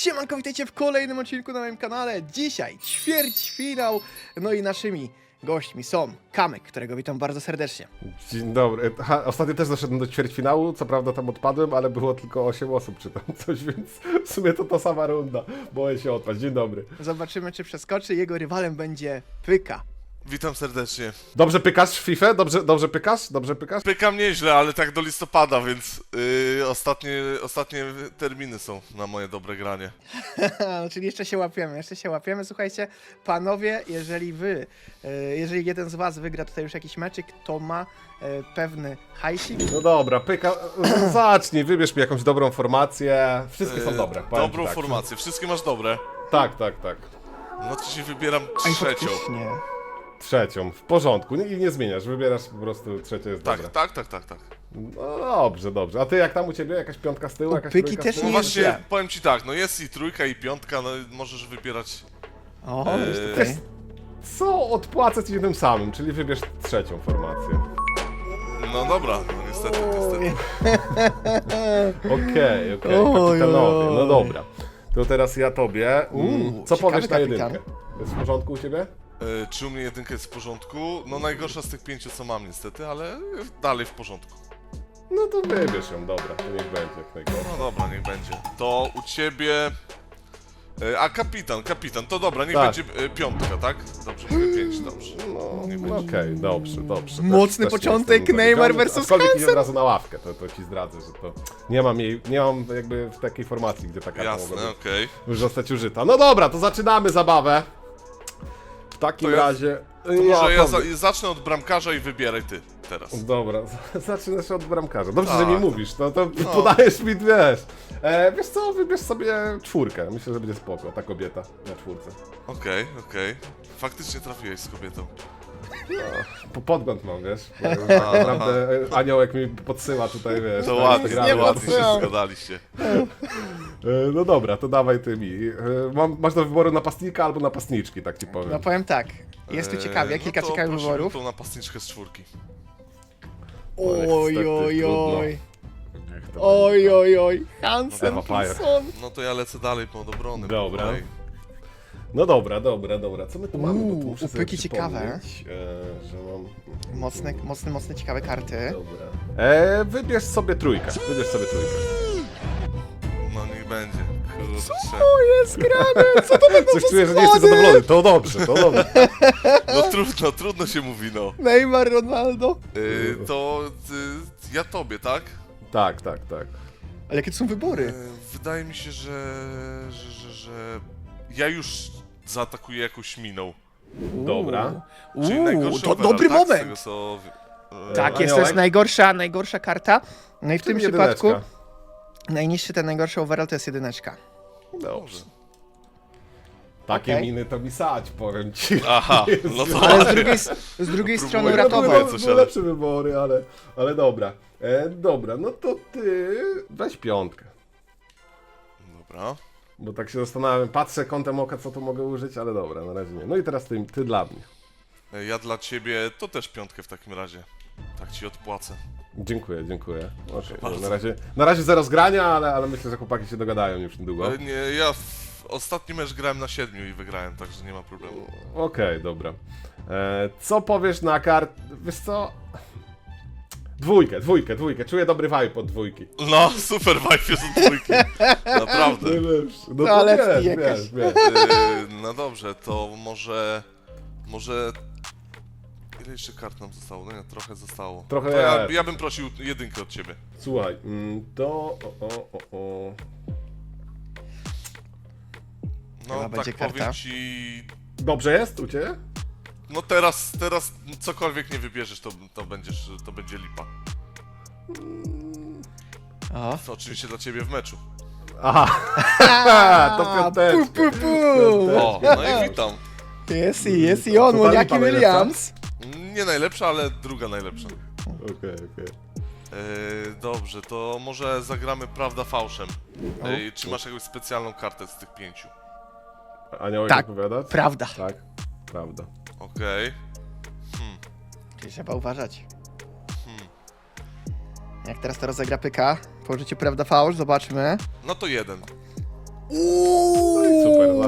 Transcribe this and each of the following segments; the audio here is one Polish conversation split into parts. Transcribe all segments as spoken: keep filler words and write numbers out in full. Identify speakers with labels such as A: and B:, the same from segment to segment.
A: Siemanko, witajcie w kolejnym odcinku na moim kanale. Dzisiaj ćwierćfinał, no i naszymi gośćmi są Kamek, którego witam bardzo serdecznie.
B: Dzień dobry. Ha, ostatnio też doszedłem do ćwierćfinału, co prawda tam odpadłem, ale było tylko osiem osób czy tam coś, więc w sumie to ta sama runda. Boję się odpaść. Dzień dobry.
A: Zobaczymy, czy przeskoczy. Jego rywalem będzie Pyka.
C: Witam serdecznie.
B: Dobrze pykasz w FIFA? Dobrze, dobrze pykasz? Dobrze pykasz?
C: Pykam nieźle, ale tak do listopada, więc yy, ostatnie, ostatnie terminy są na moje dobre granie.
A: Czyli jeszcze się łapiemy, jeszcze się łapiemy. Słuchajcie, panowie, jeżeli wy, e, jeżeli jeden z was wygra tutaj już jakiś meczyk, to ma e, pewny hajsik.
B: No dobra, pyka. Zacznij, wybierz mi jakąś dobrą formację. Wszystkie są
C: Yy,
B: dobre. powiem ci
C: Dobrą
B: tak.
C: formację, wszystkie masz dobre.
B: Tak, tak, tak.
C: No to ci wybieram
A: Aj,
C: trzecią.
A: faktycznie.
B: Trzecią, w porządku. I nie zmieniasz, wybierasz po prostu trzecie jest
C: Tak,
B: dobre.
C: tak, tak, tak, tak.
B: No dobrze, dobrze. A ty jak tam u ciebie? Jakaś piątka z tyłu?
A: U
B: Jakaś
A: Pyki
B: trójka
A: też
B: z
C: No
B: tyłu?
A: nie jest
C: właśnie,
A: źle.
C: powiem ci tak, no jest i trójka i piątka, no możesz wybierać.
A: O,
C: Eee,
A: już tutaj.
B: Co odpłacę ci tym samym, czyli wybierz trzecią formację.
C: No dobra, no niestety, niestety.
B: Okej, okej,
A: Oj,
B: kapitanowie,
A: oj.
B: no dobra. To teraz ja tobie. Mm,
A: Uuu,
B: Co
A: ciekawy
B: powiesz na
A: kapitan.
B: jedynkę? Jest w porządku u ciebie?
C: Yy, czy u mnie jedynka jest w porządku? No najgorsza z tych pięciu, co mam niestety, ale dalej w porządku.
B: No to wybierz ją, dobra, to niech będzie jak najgorzej.
C: No dobra, niech będzie. To u ciebie... E, A kapitan, kapitan, to dobra, niech
B: Tak.
C: będzie e, piątka, tak? Dobrze, mówię pięć, dobrze.
B: No,
C: Niech
B: no
C: będzie.
B: okej, dobrze, dobrze.
A: Mocny
B: Też- też
A: początek,
B: nie jestem
A: Neymar
B: zawiedziony,
A: versus
B: aczkolwiek idzie
A: Hansen.
B: od razu na ławkę, to, to ci zdradzę, że to nie mam jej, nie mam jakby w takiej formacji, gdzie ta karta mogła
C: Jasne,
B: być,
C: okej.
B: już zostać użyta. No dobra, to zaczynamy zabawę. W takim
C: To ja-
B: razie...
C: To może ja za,
B: tobie.
C: zacznę od bramkarza i wybieraj ty teraz.
B: Dobra, z- zaczynasz od bramkarza. Dobrze,
C: Tak.
B: że mi mówisz, no to podajesz mi, wiesz. E, wiesz co, wybierz sobie czwórkę. Myślę, że będzie spoko, ta kobieta na czwórce.
C: Okej, okej. Faktycznie trafiłeś z kobietą.
B: Po podgląd mam, wiesz. bo tak naprawdę e, aniołek mi podsyła tutaj, wiesz.
C: To
B: na
C: ładnie,
B: Instagramie.
C: to ładnie się
A: podsyłam.
C: zgadaliście.
B: E, no dobra, to dawaj ty mi. E, mam, masz do wyboru napastnika albo napastniczki, tak ci powiem.
A: No powiem tak, jest tu
C: E,
A: ciekawie,
C: no
A: kilka
C: to
A: ciekawych
C: prosimy
A: wyborów.
C: tą napastniczkę z czwórki.
B: Ale
A: Oj,
B: niestety
A: oj,
B: trudno.
A: oj.
B: Niech to
A: Oj, oj, oj. Hansen,
B: No, Vampire.
A: Son.
C: No to ja lecę dalej pod obrony.
B: Dobra.
C: Dalej.
B: No dobra, dobra, dobra. Co my tu mamy? Bo tu
A: Uuu,
B: muszę sobie
A: upyki ciekawe.
B: przypomnieć, E, że mam...
A: Mocne, mocne, mocne, ciekawe karty.
B: Dobra. E, wybierz sobie trójkę. Wybierz sobie trójkę.
C: No niech będzie. Kurczę.
A: O, jest grane! Co to będą
B: Coś
A: za
B: czuję, że nie jesteś
A: składy?
B: zadowolony. To dobrze, to dobrze.
C: No trudno, trudno się mówi, no.
A: Neymar, Ronaldo.
C: Yy, to y, ja tobie, tak?
B: Tak, tak, tak.
A: Ale jakie to są wybory?
C: E, Wydaje mi się, że, że, że, że ja już zaatakuję jakąś miną.
B: Dobra.
C: Czyli
A: Uuu,
C: najgorszy
A: to
C: overall,
A: dobry
C: tak? Z
A: moment.
C: tego, co... e,
A: Tak, jest, to jest
B: Aniołek?
A: najgorsza, najgorsza karta. No i w tym
B: Czyli
A: przypadku
B: jedyneczka.
A: najniższy ten najgorszy overall to jest jedyneczka.
B: Dobrze. Takie
A: Okej.
B: miny to mi sać, powiem ci.
C: Aha, no to
A: Ale z drugiej, z drugiej
C: Próbuję.
A: strony
C: No,
B: Były,
A: ratował.
C: próbuję.
B: były,
C: coś,
B: były
C: ale-
B: lepsze wybory, ale, ale dobra. E, dobra, no to ty weź piątkę.
C: Dobra.
B: Bo tak się zastanawiam, patrzę kątem oka, co tu mogę użyć, ale dobra, na razie nie. No i teraz ty, ty dla mnie.
C: E, Ja dla ciebie to też piątkę w takim razie. Tak ci odpłacę.
B: Dziękuję, dziękuję. Okay,
C: bardzo.
B: na, razie, na razie zero zgrania, ale, ale myślę, że chłopaki się dogadają już niedługo.
C: E, Nie, ja w ostatni mecz grałem na siedmiu i wygrałem, także nie ma problemu.
B: Okej, dobra. E, co powiesz na kart... Wiesz co? Dwójkę, dwójkę, dwójkę. Czuję dobry vibe od dwójki.
C: No, super vibe jest od dwójki. Naprawdę.
B: Najlepszy. No to
A: Toaletki
B: wiesz,
A: jakaś.
B: wiesz, wiesz.
C: E, No dobrze, to może... Może... Ile jeszcze kart nam zostało? No nie, trochę zostało.
B: Trochę
C: To ja,
B: jest.
C: ja bym prosił jedynkę od ciebie.
B: Słuchaj, mm, to... O, o, o, o.
C: No
A: Chyba
C: tak
A: będzie
C: powiem
A: karta.
C: ci...
B: Dobrze jest u ciebie?
C: No teraz, teraz cokolwiek nie wybierzesz, to, to, będziesz, to będzie lipa.
A: O.
C: To oczywiście dla ciebie w meczu.
B: Aha, to piąteczka.
A: Pu, pu, pu.
C: O, no i witam.
A: Jest i jest i on,
B: To ta
A: Moniaki
B: lipa
A: Williams.
C: Nie najlepsza, ale druga najlepsza.
B: Okej, okej.
C: Yy, dobrze, to może zagramy prawda fałszem. Yy, czy masz jakąś specjalną kartę z tych pięciu?
B: Aniołek
A: Tak.
B: odpowiadać?
A: Prawda.
B: Tak, prawda.
C: Okej.
A: Czyli trzeba uważać.
C: Hmm.
A: Jak teraz to rozegra Pyka, po użyciu prawda fałsz, zobaczmy.
C: No to jeden.
A: Uuu,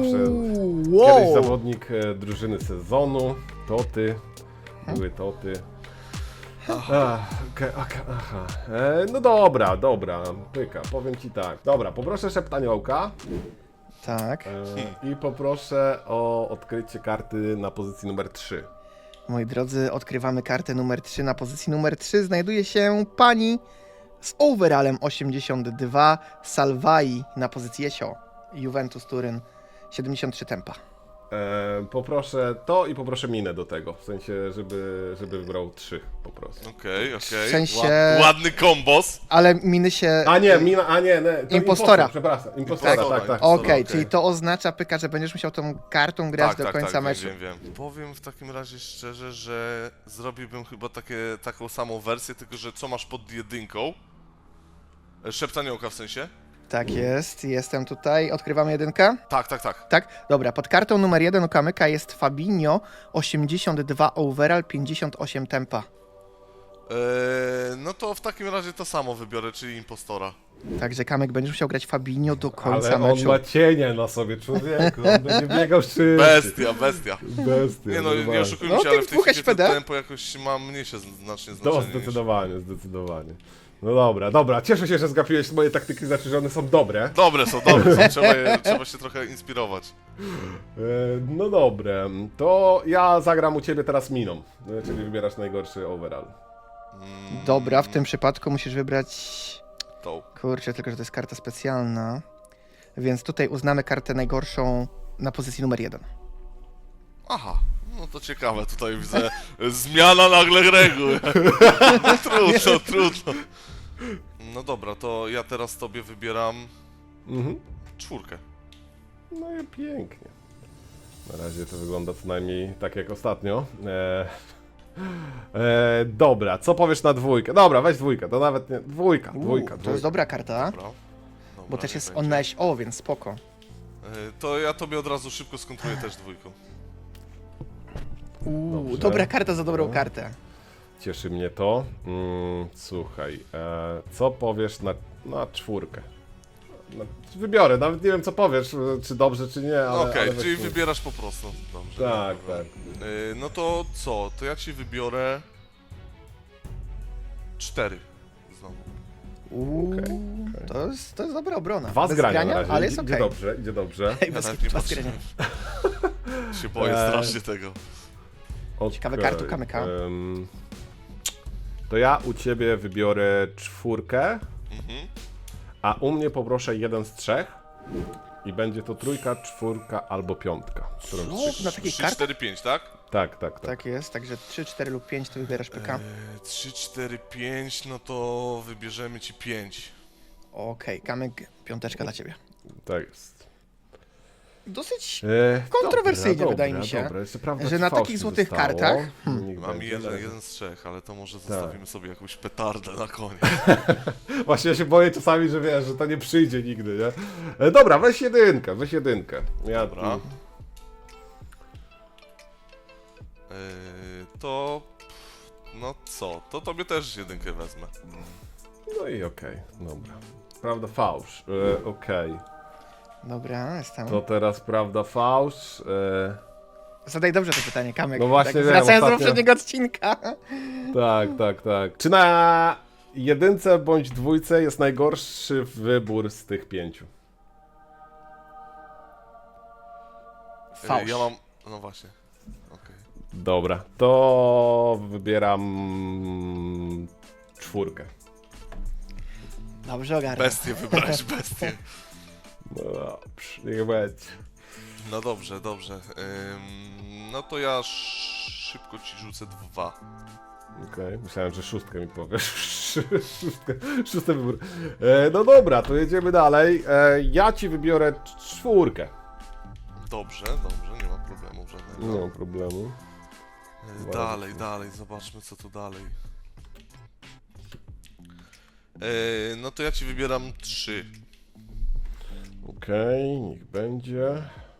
B: zawsze
A: wow.
B: kiedyś zawodnik e, drużyny sezonu, to ty, były to ty. Ach, okay, okay, aha. E, no dobra, dobra, pyka, powiem ci tak. Dobra, poproszę szeptaniołka
A: Tak.
B: e, i poproszę o odkrycie karty na pozycji numer trzy.
A: Moi drodzy, odkrywamy kartę numer trzy. Na pozycji numer trzy znajduje się pani z overallem osiemdziesiąt dwa, Salvai na pozycji Jesio, Juventus Turyn, siedemdziesiąt trzy tempa.
B: E, poproszę to i poproszę minę do tego, w sensie, żeby, żeby wybrał trzy po prostu.
C: Okej, okej.
A: W sensie-
C: Ład, ładny kombos.
A: Ale miny się...
B: A nie, mina, a nie, nie to
A: Impostora.
B: impostor, przepraszam, impostora,
C: Tak,
B: tak, tak.
A: Okej,
C: okej.
A: czyli to oznacza, Pyka, że będziesz musiał tą kartą grać
C: Tak,
A: do
C: tak,
A: końca
C: tak,
A: meczu.
C: wiem, wiem, wiem. Powiem w takim razie szczerze, że zrobiłbym chyba takie, taką samą wersję, tylko że co masz pod jedynką? E, Szeptaniołka w sensie?
A: Tak jest, jestem tutaj. Odkrywamy jedynkę?
C: Tak, tak, tak.
A: Tak? Dobra, pod kartą numer jeden u Kamyka jest Fabinho, osiemdziesiąt dwa overall, pięćdziesiąt osiem tempa.
C: E, no to w takim razie to samo wybiorę, czyli impostora.
A: Także Kamek będziesz musiał grać Fabinho do końca
B: Ale on
A: meczu.
B: ma cienie na sobie, człowieku, on będzie biegał szybciej.
C: Bestia, bestia.
B: Bestia.
C: Nie no, nie
B: normalnie.
C: oszukujmy
A: No,
C: się, ale
A: tych
C: w tej
A: dwóch
C: chwili to
A: S P D?
C: tempo jakoś ma mniejsze znacznie
B: To
C: znaczenie niż...
B: zdecydowanie, zdecydowanie. No dobra, dobra, cieszę się, że zgapiłeś moje taktyki, znaczy, że one są dobre.
C: Dobre są, dobre są, trzeba, je, trzeba się trochę inspirować.
B: E, no dobre, to ja zagram u ciebie teraz miną, e, czyli wybierasz najgorszy overall.
C: Mm,
A: Dobra, w tym przypadku musisz wybrać...
C: tą.
A: Kurczę, tylko że to jest karta specjalna. Więc tutaj uznamy kartę najgorszą na pozycji numer jeden.
C: Aha, no to ciekawe, tutaj widzę zmiana nagle reguł. Trudno, trudno. No dobra, to ja teraz tobie wybieram
B: Mhm.
C: czwórkę.
B: No i pięknie. Na razie to wygląda co najmniej tak jak ostatnio. E, e, dobra, co powiesz na dwójkę? Dobra, weź dwójkę, to nawet nie... Dwójka, dwójka,
A: Uuu,
B: dwójka.
A: to jest dobra karta,
C: Dobra. Dobra,
A: bo też
C: niech
A: jest
C: będzie.
A: on na S O, więc spoko.
C: Y, To ja tobie od razu szybko skontruję też dwójką.
A: Uuu,
B: Dobrze.
A: dobra karta za dobrą
B: No.
A: kartę.
B: Cieszy mnie to. Mm, słuchaj, e, co powiesz na, na czwórkę? No, wybiorę, nawet nie wiem co powiesz, e, czy dobrze, czy nie, ale...
C: Okej,
B: ale weź
C: czyli
B: czwórkę.
C: wybierasz po prostu. Dobrze.
B: Tak,
C: dobra.
B: tak.
C: Y, No to co? To ja ci wybiorę... Cztery. Znowu.
A: Uuu,
B: Okej, okej.
A: to, jest, to jest dobra obrona.
B: Dwa
A: Bez
B: zgrania
A: grania,
B: na razie,
A: ale jest
B: idzie
A: okej.
B: dobrze, idzie dobrze.
A: Ej,
C: Ja
A: bez
C: nawet nie
A: dwa
C: patrzyłem.
A: zgrania.
C: Się boję
B: Eee.
C: strasznie tego.
A: Ciekawe
B: Okej,
A: kartu Kamyka.
B: em, to ja u ciebie wybiorę czwórkę,
C: Mhm.
B: a u mnie poproszę jeden z trzech. I będzie to trójka, czwórka albo piątka. Którą
A: Co?
B: trzy-
A: Na takiej
C: trzy,
A: karcie?
C: cztery, pięć, tak?
B: Tak, tak, tak.
A: Tak jest, także trzy, cztery lub pięć to wybierasz P K.
C: Eee, trzy, cztery, pięć, no to wybierzemy ci pięć.
A: Okej, Kamek, piąteczka dla ciebie.
B: Tak jest.
A: Dosyć
B: E,
A: kontrowersyjnie,
B: dobra,
A: wydaje
B: dobra,
A: mi się,
B: dobra. Jeszcze prawda,
A: że
B: ci
A: na
B: fałsz
A: takich
B: mi
A: złotych
B: zostało.
A: kartach, hmm.
B: Niech
C: Mam
B: będzie,
C: jeden,
B: ale-
C: jeden z trzech, ale to może zostawimy sobie jakąś petardę na koniec.
B: Właśnie ja się boję czasami, że wiesz, że to nie przyjdzie nigdy, nie? E, dobra, weź jedynkę, weź jedynkę. Ja
C: Dobra.
B: tu-
C: Eee, to... No co? To tobie też jedynkę wezmę.
B: No i okej, dobra. Prawda, fałsz. E, okej.
A: Dobra, jestem.
B: To teraz prawda, fałsz. E,
A: Zadaj dobrze to pytanie, Kamek.
B: No właśnie
A: tak,
B: wiem,
A: wracając do
B: ostatnio-
A: poprzedniego odcinka.
B: tak, tak, tak. Czy na jedynce bądź dwójce jest najgorszy wybór z tych pięciu?
C: Eee,
A: Fałsz.
C: ja mam... No właśnie. Okej.
B: Dobra, to wybieram czwórkę.
A: Dobrze ogarnę.
C: Bestię wybrać, bestię.
B: No dobrze, niech będzie.
C: No dobrze, dobrze. Ym, no to ja sz- szybko ci rzucę dwa.
B: Okej, myślałem, że szóstkę mi powiesz. Szóstkę, szósty wybór. E, no dobra, to jedziemy dalej. E, ja ci wybiorę czwórkę.
C: Dobrze, dobrze, nie ma problemu żadnego.
B: Nie mam problemu.
C: E, Dalej, dalej, zobaczmy co tu dalej. E, no to ja ci wybieram trzy.
B: Okej, niech będzie.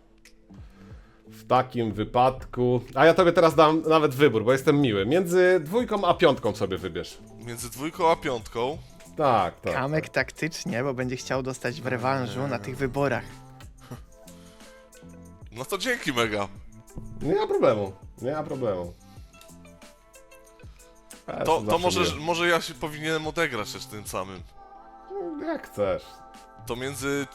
B: W takim wypadku... A ja tobie teraz dam nawet wybór, bo jestem miły. Między dwójką a piątką sobie wybierz.
C: Między dwójką a piątką.
B: Tak, tak.
A: Kamek taktycznie, bo będzie chciał dostać w rewanżu na tych wyborach.
C: No to dzięki mega.
B: Nie ma problemu, nie ma problemu. Ja
C: To,
B: jestem
C: to
B: zawsze
C: może,
B: miły.
C: może ja się powinienem odegrać też tym samym.
B: Jak chcesz.
C: To między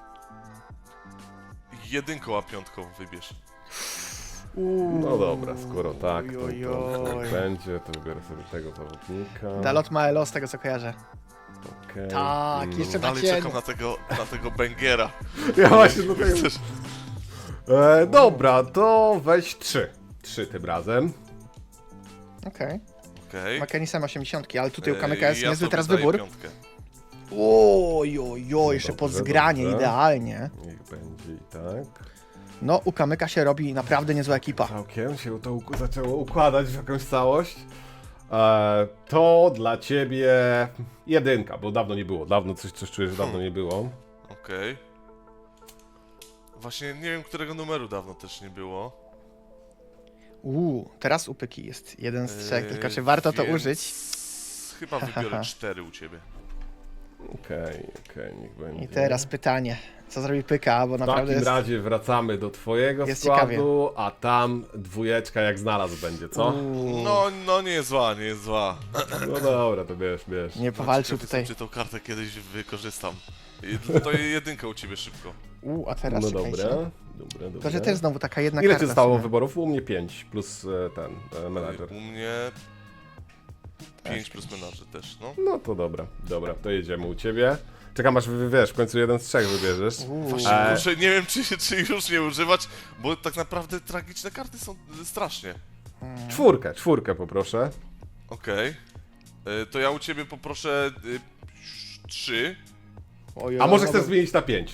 C: jedynką a piątką wybierz.
B: No dobra, skoro tak, to,
A: Oj,
B: to
A: oj, oj.
B: tak będzie, to wybiorę sobie tego zawodnika.
A: Dalot ma Elo z tego co kojarzę.
B: Okej.
A: Tak,
B: Mm.
A: jeszcze na
C: Dalej
A: cień.
C: czekam na tego, na tego Bengera.
B: Ja właśnie do tego...
C: Chcesz?
B: E, dobra, to weź trzy. Trzy tym razem.
A: Okej.
C: Okej.
A: Ma Kenisem osiemdziesiąt, ale tutaj u
C: Ej,
A: Kamyka jest
C: ja
A: niezły
C: sobie
A: teraz
C: daję
A: wybór.
C: piątkę.
A: Oj, oj, oj, jeszcze
B: Dobrze,
A: pod zgranie,
B: dobrze.
A: idealnie.
B: Niech będzie i tak.
A: No, u Kamyka się robi naprawdę niezła ekipa.
B: Całkiem się to uk- zaczęło układać w jakąś całość. E, to dla ciebie jedynka, bo dawno nie było. Dawno coś, coś czuję, że dawno nie było.
C: Okej. Właśnie nie wiem, którego numeru dawno też nie było.
A: Uuu, teraz u Pyki jest jeden z trzech,
C: Eee,
A: tylko czy warto to
C: więc
A: użyć?
C: Chyba wybiorę cztery u ciebie.
B: Okej, okej, niech będzie.
A: I teraz pytanie, co zrobi Pyka, bo
B: W
A: naprawdę
B: takim
A: jest...
B: razie wracamy do twojego
A: jest
B: składu, a tam dwójeczka jak znalazł będzie, co?
A: Uuu,
C: No, no nie jest zła, nie jest zła.
B: No dobra, to bierz, bierz.
A: nie powalczył
C: Ciekaw
A: tutaj.
C: jestem, czy tą kartę kiedyś wykorzystam. I to jedynka u ciebie szybko.
A: Uuu, a teraz
B: No
A: czekajcie.
B: dobra, dobra, dobra.
A: To, że też znowu taka jedna
B: Ile
A: karta.
B: ci
A: w
B: zostało
A: sumie.
B: wyborów? U mnie pięć plus e, ten e, menadżer.
C: U mnie pięć plus menadżer też, no.
B: No to dobra, dobra, to jedziemy u ciebie. Czekam aż wy- wiesz, w końcu jeden z trzech wybierzesz.
A: Uuu.
C: Właśnie
B: E.
C: muszę, nie wiem czy, czy już nie używać, bo tak naprawdę tragiczne karty są strasznie.
B: Czwórkę, czwórkę poproszę.
C: Okej. Y, To ja u ciebie poproszę y, trzy.
A: Oj,
B: A
A: oj,
B: może
A: no
B: chcesz
A: bo-
B: zmienić na pięć?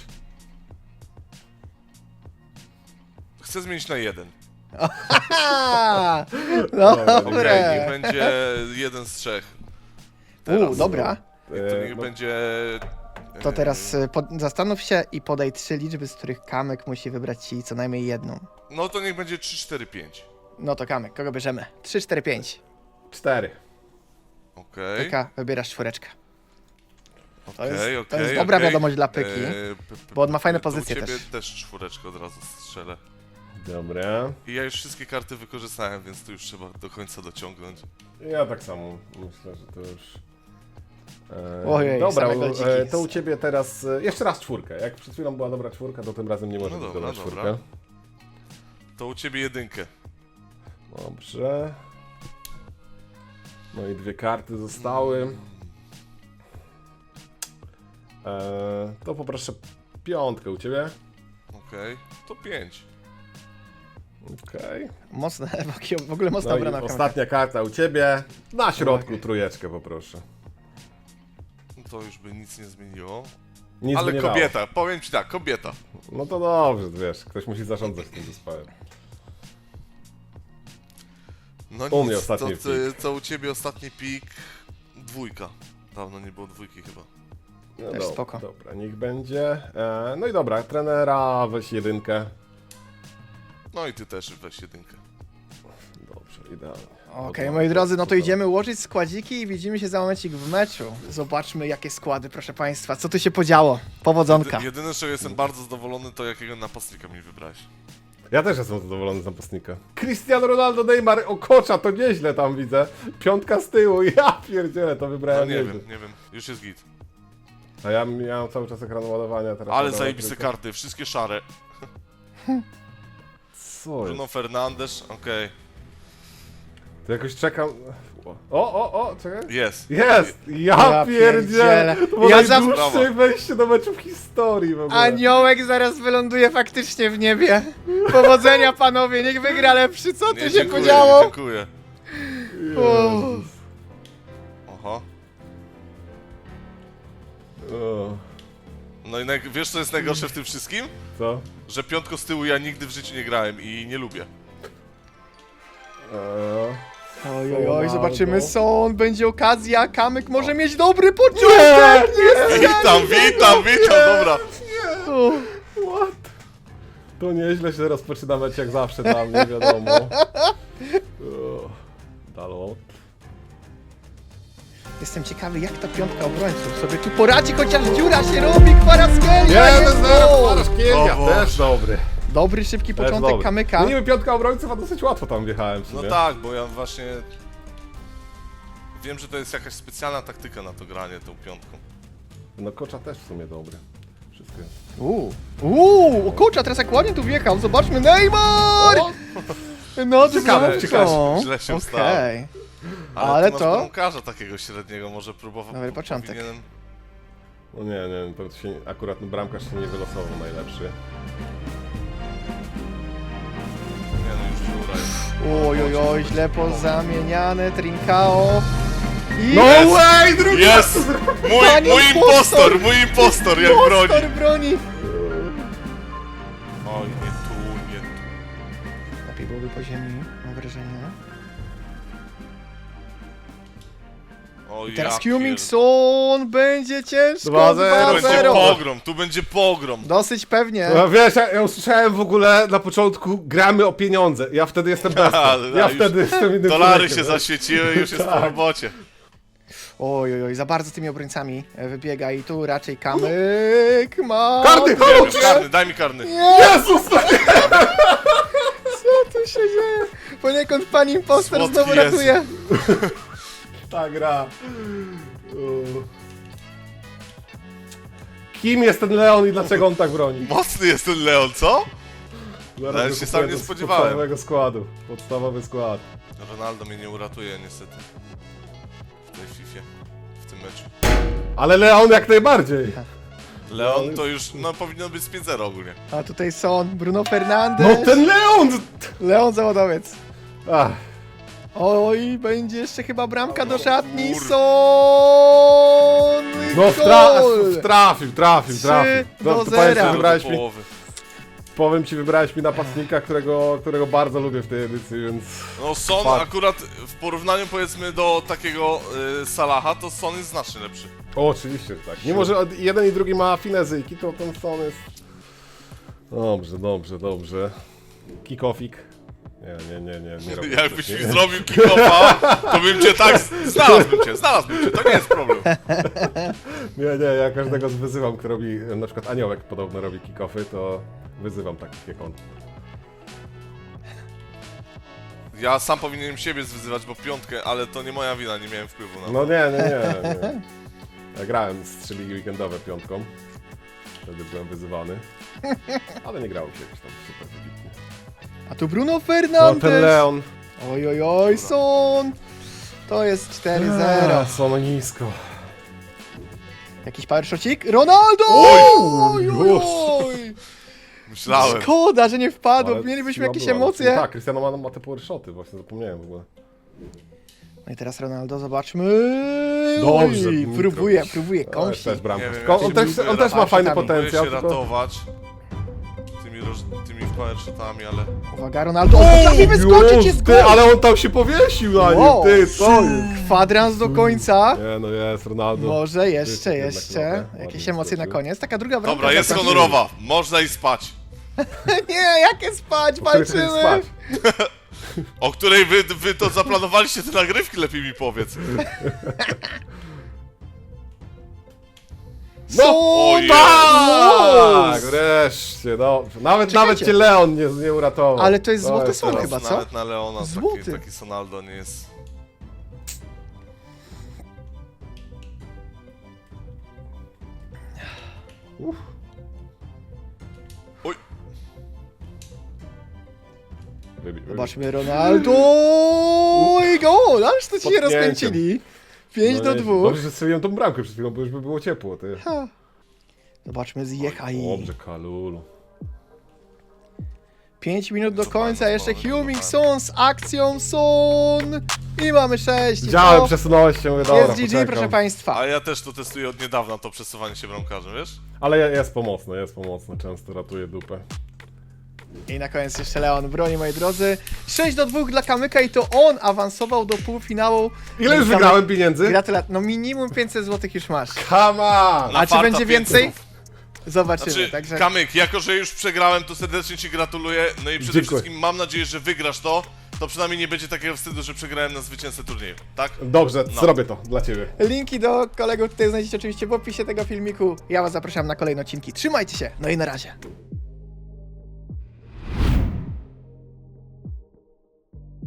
C: Chcę zmienić na jeden.
A: Ha! No
B: Dobra,
C: Okej,
A: dobre.
C: niech będzie jeden z trzech. Teraz.
A: Uuu, dobra.
C: I to
B: E,
C: niech
B: no,
C: będzie...
A: To
C: y,
A: teraz y, pod, zastanów się i podaj trzy liczby, z których Kamek musi wybrać ci co najmniej jedną.
C: No to niech będzie trzy, cztery, pięć.
A: No to Kamek, kogo bierzemy? trzy, cztery, pięć.
B: Cztery.
C: Okej.
A: Pyka, wybierasz czwóreczkę. To jest-
C: Okej,
A: to jest
C: okej,
A: dobra
C: okej.
A: wiadomość dla Pyki,
C: Eee, p- p-
A: bo on ma fajne
C: to u
A: pozycje
C: ciebie
A: też.
C: też czwóreczkę od razu strzelę.
B: Dobra.
C: I ja już wszystkie karty wykorzystałem, więc tu już trzeba do końca dociągnąć.
B: Ja tak samo myślę, że to już. E,
A: Ojej,
B: dobra,
A: same
B: u-
A: goldziki.
B: e, to u ciebie teraz e, jeszcze raz czwórkę. Jak przed chwilą była dobra czwórka, to tym razem nie możesz
C: No dobra,
B: dodać
C: dobra.
B: czwórkę.
C: To u ciebie jedynkę.
B: Dobrze. No i dwie karty zostały. E, to poproszę piątkę u ciebie.
C: Okej, to pięć.
B: Okej.
A: Mocne, w ogóle mocna
B: No i
A: obrona Kamyka.
B: ostatnia karta u ciebie. Na środku trójeczkę poproszę.
C: To już by nic nie zmieniło.
B: Nic by
C: Ale
B: nie
C: kobieta, powiem ci tak, kobieta.
B: Dało. No to dobrze, wiesz, ktoś musi zarządzać tym zespołem.
C: No
B: U
C: nic,
B: mnie ostatni
C: to, to, to u ciebie ostatni pik dwójka. Dawno nie było dwójki chyba.
B: No
A: Też
B: dobra,
A: spoko.
B: dobra, niech będzie. E, no i dobra, trenera weź jedynkę.
C: No i ty też weź jedynkę.
B: Dobrze, idealnie.
A: Okej,
B: Dobra,
A: moi drodzy, no to
B: super.
A: idziemy ułożyć składziki i widzimy się za momencik w meczu. Zobaczmy jakie składy, proszę państwa. Co tu się podziało? Powodzonka.
C: Jedy, jedyne, z czego jestem bardzo zadowolony, to jakiego napastnika mi wybrałeś.
B: Ja też jestem zadowolony z napastnika. Cristiano Ronaldo, Neymar, Okocza, to nieźle tam widzę. Piątka z tyłu, ja pierdzielę, to
C: No
B: wybrałem
C: nie
B: nieźle.
C: wiem, nie wiem, już jest git.
B: A ja miałem cały czas ekran ładowania teraz.
C: Ale
B: ładować
C: zajebiste
B: tylko.
C: karty, wszystkie szare.
B: Co jest?
C: Bruno Fernandes, okej.
B: To jakoś czekam... O, o, o, czekaj.
C: Jest.
B: Jest! Ja,
A: Ja
B: pierdzielę!
A: pierdzielę.
B: To było
A: Ja
B: najdłuższe
C: zawsze-
B: wejście do meczu w historii w ogóle.
A: Aniołek zaraz wyląduje faktycznie w niebie. Powodzenia panowie, niech wygra lepszy. Co tu
C: Nie,
A: się
C: dziękuję,
A: podziało?
C: dziękuję.
B: Jezus.
C: Oho.
B: O,
C: No i naj... wiesz co jest najgorsze w tym wszystkim?
B: co?
C: Że piątko z tyłu ja nigdy w życiu nie grałem i nie lubię.
B: Eee.
A: Oj, oj, oj,
B: Ronaldo.
A: zobaczymy sąd, będzie okazja, Kamyk może mieć dobry początek! Nie,
C: Witam, witam, witam, dobra.
A: O,
B: What? To nieźle się rozpoczyna mecz jak zawsze dla mnie, wiadomo. O, Dalot.
A: Jestem ciekawy jak ta piątka obrońców sobie tu poradzi, chociaż dziura się robi, Kwaraskelia
B: jeden
A: jest
B: zero,
A: gol!
B: Kwaraszkiewicz,
C: O Boże.
B: też dobry.
A: Dobry, szybki
B: To jest
A: początek
B: dobry.
A: kamyka.
B: No niby piątka obrońców, a dosyć łatwo tam wjechałem w
C: No
B: sumie.
C: tak, bo ja właśnie... Wiem, że to jest jakaś specjalna taktyka na to granie tą piątką.
B: No kocza też w sumie dobry. Wszystko jest.
A: Uuu, uuu, o kurczę, a teraz jak ładnie tu wjechał, zobaczmy, Neymar! No,
B: Ciekawe,
A: ciekawe.
C: źle się stało.
A: Okej.
C: Ale,
A: Ale
C: tu
A: to-
C: masz bramkarza takiego średniego, może próbował...
A: Dobry początek.
C: Powinienem...
B: No nie, nie, to się, akurat no, bramkarz się nie wylosował najlepszy.
C: Nie no, już dziura jest.
A: Oj, oj, oj, źle pozamieniane, Trincao. I...
B: No way, drugi
C: Jest! Mój,
A: Panie
C: mój
A: impostor!
C: impostor, mój impostor, jak broni!
A: Impostor broni!
C: Oj, nie tu, nie tu.
A: Lepiej byłoby po ziemi, mam wrażenie.
C: Oj,
A: I teraz
C: ja pier-
A: Hummingson, będzie ciężko,
B: dwa zero.
C: Tu będzie
A: dwa zero.
C: pogrom, tu będzie pogrom.
A: Dosyć pewnie.
B: No, wiesz, ja, ja usłyszałem w ogóle na początku gramy o pieniądze. Ja wtedy jestem bez.
C: Ale
B: Ja
C: już
B: wtedy jestem innym
C: Dolary
B: człowiekiem,
C: się
B: nie?
C: zaświeciły, już jest po
B: Tak.
C: robocie.
A: Oj, oj, oj, za bardzo tymi obrońcami wybiega i tu raczej kamyk ma...
B: Karny,
A: Nie
B: halo,
A: wiem,
C: Wiem, karny, daj mi karny.
A: Nie,
B: Jezus! no nie!
A: co tu się dzieje? Poniekąd pan impostor
C: Słodki
A: znowu
C: Jezu.
A: ratuje.
B: Ta gra. U. Kim jest ten Leon i dlaczego on tak broni?
C: Mocny jest ten Leon, co?
B: Zaraz
C: Ale
B: go
C: się
B: kupuję
C: sam nie
B: do
C: spodziewałem.
B: Podstawowego składu. Podstawowy skład.
C: Ronaldo mnie nie uratuje niestety. W tej Fifie, w tym meczu.
B: Ale Leon jak najbardziej.
C: Leon to już, no powinno być z pięć zero ogólnie.
A: A tutaj Son, Bruno Fernandes,
B: No ten Leon!
A: Leon Zawodowiec.
B: Ach,
A: Oj, będzie jeszcze chyba bramka do szatni,
C: kur-
A: Son! i
B: no wtra
A: gol!
B: trafił, trafił,
A: Trzy
B: trafił.
A: do
B: No, to
A: zera.
B: powiedz, że
C: Do
B: wybrałeś mi,
C: połowy.
B: powiem ci, wybrałeś mi napastnika, którego, którego bardzo lubię w tej edycji, więc...
C: No Son
B: Fakt.
C: akurat w porównaniu powiedzmy do takiego y, Salaha, to Son jest znacznie lepszy.
B: O, oczywiście, że tak. Mimo, że od- jeden i drugi ma finezyjki, to ten Son jest... Dobrze, dobrze, dobrze. Kick-offik. Nie, nie, nie, nie, nie robię.
C: Jakbyś
B: nie,
C: mi zrobił kick-offa, to bym cię tak... z- Znalazłbym cię, znalazłbym cię, to nie jest problem.
B: nie, nie, ja każdego wyzywam, kto robi, na przykład Aniołek podobno robi kick-offy, to wyzywam takich jak on.
C: Ja sam powinienem siebie zwyzywać, bo piątkę, ale to nie moja wina, nie miałem wpływu na to.
B: No nie, nie, nie. nie. Ja grałem z trzy ligi weekendowe piątką. Wtedy byłem wyzywany. Ale nie grało się jakoś tam super wybitnie.
A: A tu Bruno
B: No
A: Fernandes.
B: ten Leon.
A: Oj, oj, oj, Son. To jest cztery zero.
B: Są nisko.
A: Jakiś power shotcik? Ronaldo!
B: Oj,
A: oj, oj,
B: już.
A: oj.
C: Myślałem.
A: Szkoda, że nie wpadł.
B: Ale
A: Mielibyśmy
B: siła
A: jakieś
B: była.
A: emocje.
B: No tak, Cristiano ma, ma te power shoty, właśnie zapomniałem w ogóle.
A: No i teraz Ronaldo, zobaczmy.
B: Dobrze,
A: Oj,
B: Dmitro.
A: próbuje, próbuje,
B: Ale
A: kąsi.
B: też bramka.
C: Nie wiem,
B: Tylko
C: ja
B: on,
C: się
B: też,
C: lubię
B: on też ma
A: raczej
B: fajny
A: tam.
C: Próbuję
B: potencjał.
C: się
B: Tylko...
C: ratować tymi, roż... tymi power shotami, ale...
A: Uwaga, Ronaldo. O, potrafi wyskoczyć, jest
B: ty,
A: gol!
B: ale on tam się powiesił na nim,
A: Wow.
B: ty, co jest?
A: Kwadrans do końca.
B: Nie, no jest, Ronaldo.
A: Może jeszcze,
B: Jest jednak
A: jeszcze.
B: trochę.
A: Jakieś
B: Ładnie
A: emocje na
B: skoczył.
A: koniec. Taka druga bramka.
C: Dobra, jest
A: dla Brazyli.
C: honorowa, można i spać.
A: Nie, jakie spać,
B: Po której chcesz
A: walczymy.
B: spać?
C: O której wy, wy to zaplanowaliście te nagrywki, lepiej mi powiedz.
A: No,
C: O Jezu.
B: Tak, wreszcie, dobrze. Nawet,
A: Czekajcie.
B: nawet cię Leon nie, nie uratował.
A: Ale to jest złoty
B: jest
A: Son
B: teraz-
A: chyba, co?
C: Nawet na Leona taki,
A: Złoty.
C: taki Sonaldo nie jest...
B: Uff.
C: Oj,
B: Wybij, wybij.
A: Zobaczmy Ronaldo i gol, aż to ci się
B: Podpięciem.
A: rozkręcili. pięć
B: No
A: do
B: nie,
A: dwóch.
B: Dobrze, że strzeliłem tą bramkę przed chwilą, bo już by było ciepło, ty.
A: Ha. Zobaczmy Zjechaj.
B: Dobrze, Kalulu.
A: pięć minut do
C: Co
A: końca,
C: pan,
A: jeszcze
C: co pan,
A: Huming
C: co
A: Son z akcją Son. I mamy sześć. I
B: Widziałem,
A: to
B: przesunąłeś się, mówię, dobra,
A: jest G G,
B: poczekam.
A: proszę państwa.
C: a ja też to testuję od niedawna, to przesuwanie się bramkarzem, wiesz?
B: Ale je- jest pomocne, jest pomocne, często ratuje dupę.
A: I na koniec jeszcze Leon broni, moi drodzy. sześć do dwóch dla Kamyka i to on awansował do półfinału.
B: Ile już
A: Kamyk-
B: wygrałem pieniędzy?
A: Gratulacje. No minimum pięćset złotych już masz.
B: Come on!
C: Na
A: A czy
C: farta
A: będzie więcej?
C: pięćset.
A: Zobaczymy,
C: Znaczy,
A: także...
C: Kamyk, jako że już przegrałem, to serdecznie ci gratuluję. No i przede
B: Dziękuję.
C: wszystkim mam nadzieję, że wygrasz to. To przynajmniej nie będzie takiego wstydu, że przegrałem na zwycięzcę turnieju, tak?
B: Dobrze,
C: No.
B: zrobię to dla ciebie.
A: Linki do kolegów tutaj znajdziecie oczywiście w opisie tego filmiku. Ja was zapraszam na kolejne odcinki. Trzymajcie się, no i na razie.